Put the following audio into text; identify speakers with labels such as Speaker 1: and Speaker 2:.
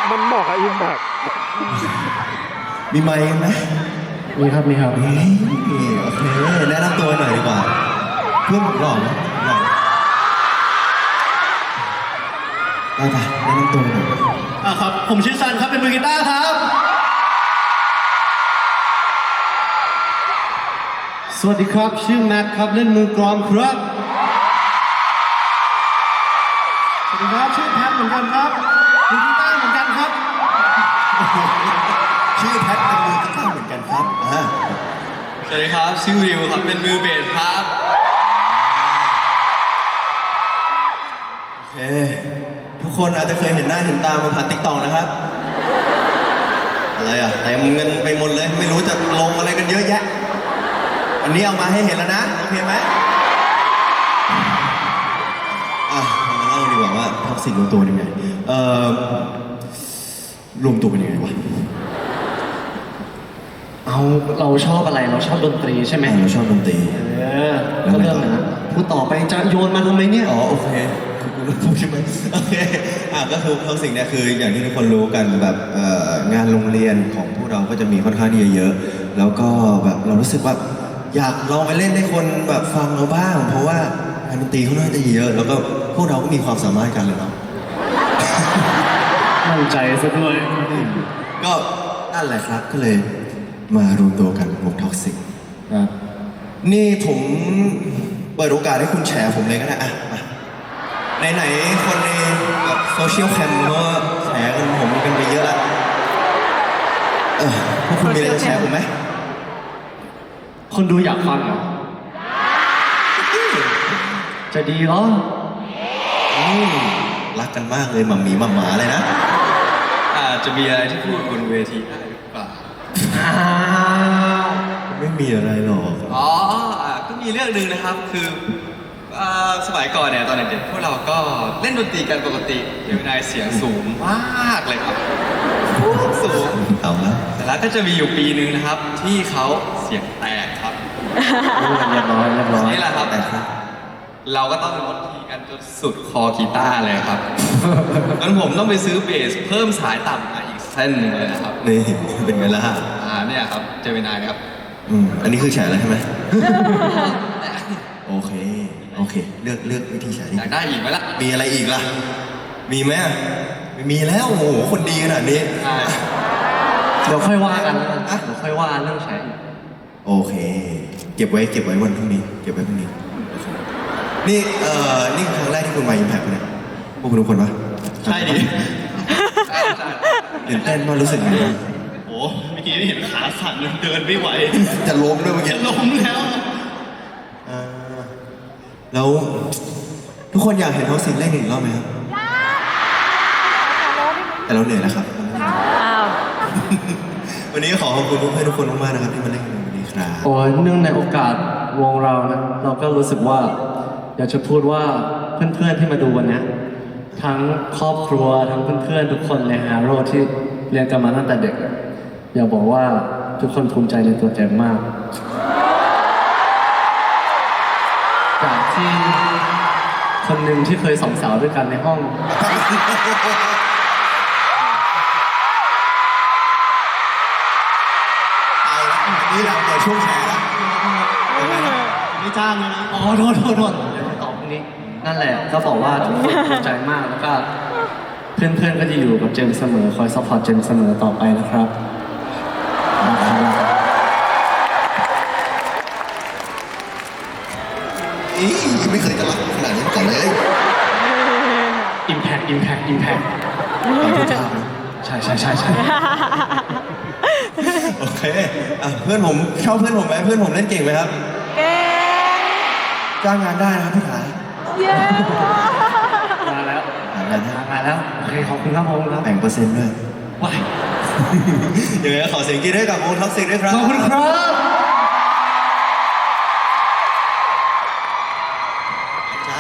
Speaker 1: มันเหมาะกับอิมแพค
Speaker 2: มีไมค์ไหม
Speaker 3: มีครับมีครับ
Speaker 2: เฮ้ยโอเคแนะนำตัวหน่อยดีกว่าเพื่อนผมหล่อไหมหล่อได้ปะแนะนำตัวหน่อย
Speaker 4: ครับผมชื่อซันครับเป็นมือกีตาร์ครับสวัสดีครับชื่อแม็กครับเล่นมือกลองครับสวัสดีครับชื่อแพทเหมือนกันครับมือกีตาร์เหมือนกันครับ
Speaker 2: ชื่อแพทเป็นมือกีตาร์เหมือนกันครับ
Speaker 5: สวัสดีครับชื่อวิวครับเป็นมือเบสครับ
Speaker 2: โอเคทุกคนอาจจะเคยเห็นหน้าเห็นตามาผ่านติ๊กต็อกนะครับอะไรอ่ะเต็มเงินไปหมดเลยไม่รู้จะลงอะไรกันเยอะแยะอันนี้เอามาให้เห็นแล้วนะโอเคไหมมาเล่าดีกว่าว่าท็อกซิกรวมตัวยังไงรวมตัวเป็นยังไงวะ
Speaker 3: เราชอบอะไรเราชอบดนตรีใช่ไหม
Speaker 2: เราชอบดนตรี
Speaker 3: ก็เริ่มนะพูดต่อไปจะโยนมาทำไมเนี่ย
Speaker 2: อ๋อโอเคคุณรู้ใช่ไหมโอเคก็คือท็อกซิกเนี่ยคืออย่างที่ทุกคนรู้กันแบบงานโรงเรียนของพวกเราก็จะมีค่อนข้างที่จะเยอะแล้วก็แบบเรารู้สึกว่าอยากลองไปเล่นให้คนแบบฟังเราบ้าง เพราะว่างานดนตรีเขาน่าจะเยอะ แล้วก็พวกเราก็มีความสามารถกันเลยเนาะ
Speaker 3: มั่นใจซะด้วย
Speaker 2: ก็นั่นแหละครับก็เลยมารวมตัวกันวงท็อกซิกนี่ผมเปิดโอกาสให้คุณแฉผมเลยก็ได้ไหนๆคนในแบบโซเชียลแคมก็แฉกันผมกันไปเยอะแล้วพวกคุณมีอะไรจะแฉผมไหม
Speaker 3: คนดูอยากฟังเหรอจะดีเหรอ
Speaker 2: รักกันมากเลยหม่ำหมีหม่ำหมาเลยนะ
Speaker 5: อาจจะมีอะไรที่พูดบนเวทีได้หรือเปล่า
Speaker 2: ไม่มีอะไรหรอก
Speaker 5: ก็มีเรื่องหนึ่งนะครับคือสมัยก่อนเนี่ยตอนเด็กๆพวกเราก็เล่นดนตรีกันปกติเดี๋ยวนายเสียงสูงมากเลยครับสูง
Speaker 2: เอาละ
Speaker 5: แต่แล้วก็จะมีอยู่ปีหนึ่งนะครับที่เขาเสียงแตกครับ
Speaker 3: เรียบร้อย
Speaker 5: นี่แหละครับเราก็ต้องลดทีกันจนสุดคอกีตาร์เลยครับงั้นผมต้องไปซื้อเบสเพิ่มสายต่ำมาอีกเส้นหนึ่งเลยนะครับ
Speaker 2: นี่เป็นไงล่ะ
Speaker 5: เนี่ยครับเจมินายครับ
Speaker 2: อันนี้คือแฉแล้วใช่ไหม โอเคเลือกวิธีแฉ
Speaker 5: อยากได้อีกไหมล่ะ
Speaker 2: มีอะไรอีกล่ะมีไหมไม่มีแล้วโอ้โหคนดีขนาดนี้
Speaker 5: ใช่
Speaker 3: เดี๋ยวค่อยว่ากันเดี๋ยวค่อยว่าเรื่องแชร์
Speaker 2: โอเค เก็บไว้วันพรุ่งนี้เก็บไว้พรุ่งนี้นี่นี่คือครั้งแรกที่คุณมาอิมแพคเนี่ยพวกคุณทุกคนปะ
Speaker 5: ใช่ดิใช่
Speaker 2: ตื่นเต้นมากรู้สึกยังไงบ้าง
Speaker 4: โอ้เมื่อกี้เห็นขาสั่นเดินไม่ไหว
Speaker 2: จะล้มด้วยเมื่อกี้
Speaker 4: จะล้มแล้ว
Speaker 2: แล้วทุกคนอยากเห็นท็อกซิกเล่นอีกรอบไหมครับแต่เราเหนื่อยแล้วครับ วันนี้ขอขอบคุณเพื่อนๆทุกคนมากๆนะครับที่มาเล่นกันวันนี้ครับ
Speaker 3: โอ้ยเนื่องในโอกาสวงเรานะเราก็รู้สึกว่าอยากจะพูดว่าเพื่อนๆที่มาดูวันนี้ทั้งครอบครัวทั้งเพื่อนๆทุกคนในฮาโร่ที่เรียนกันมาตั้งแต่เด็กอยากบอกว่าทุกคนภูมิใจในตัวเจมมากจากที่คนหนึ่งที่เคยสองสาวด้วยกันในห้อง
Speaker 2: เอาละนี่เราเปิดช่วงแฉแล้ว
Speaker 4: ไม่จ้างเลยนะ
Speaker 3: อ๋อโทษเดี๋ยวตอบตรงนี้นั่นแหละก็บอกว่าทุกคนภูมิใจมากแล้วก็เพื่อนๆก็จะอยู่กับเจมส์เสมอคอยซัพพอร์ตเจมส์เสมอต่อไปนะครับ
Speaker 2: ไม่เคยจะรักขนาดนี้มาก่อนเลย
Speaker 3: Impact ใช่
Speaker 2: โอเคเพื่อนผมชอบเพื่อนผมไหมเพื่อนผมเล่นเก่งไหมครับเก่งจ้างงานได้นะครับพี่ขา
Speaker 3: มาแล้ว
Speaker 2: มาแล้ว
Speaker 3: โอเคขอบคุณครับผมครับ
Speaker 2: แบ่งเปอร์เซ็นต์ด้วย
Speaker 3: ว้าย
Speaker 2: ยังไงก็ขอเสียงกรี๊ดให้กับวงท็อกซิกด้วยครับ
Speaker 3: ขอบคุณครับ